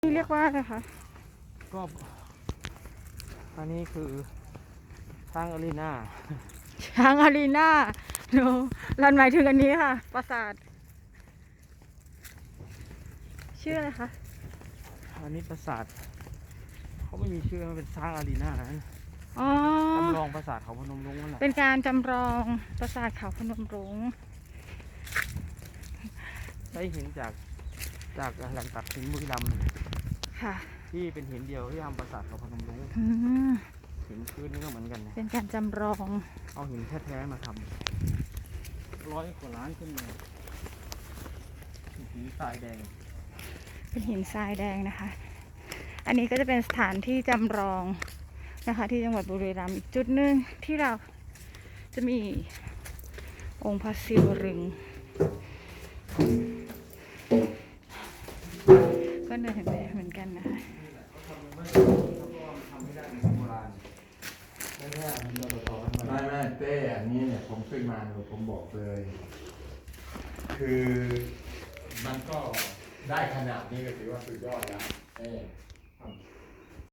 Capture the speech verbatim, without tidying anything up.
นี่เรียกว่าอะไรคะก็อันนี้คือช้างอารีนาช้างอารีนาโนรันหมายถึงอันนี้ค่ะปราสาทชื่ออะไรคะอันนี้ปราสาทเขาไม่มีชื่อมันเป็นช้างอารีนาอ๋อจำลองปราสาทเขาพนมรุ้งนั่นแหละเป็นการจำลองปราสาทเขาพนมรุ้งได้เห็นจากจากแหล่งตัดหินบุรีรัมย์ค่ะที่เป็นหินเดียวที่ทำปราสาทเขาพนมรุ้งหินพื้นนี่ก็เหมือนกันนะเป็นการจำลองเอาหินแท้ๆมาทำร้อยกว่าล้านขึ้นมาหินทรายแดงเป็นหินทรายแดงนะคะอันนี้ก็จะเป็นสถานที่จำลองนะคะที่จังหวัดบุรีรัมย์อีกจุดหนึ่งที่เราจะมีองค์พระศิวลึงก็เหนื่อยเหมือนกันนะคะไม่ไม่เต้อันนี้เนี่ยผมขึ้นมาเนี่ยผมบอกเลย คือมันก็ได้ขนาดนี้ก็ถือว่าสุดยอดแล้วเต้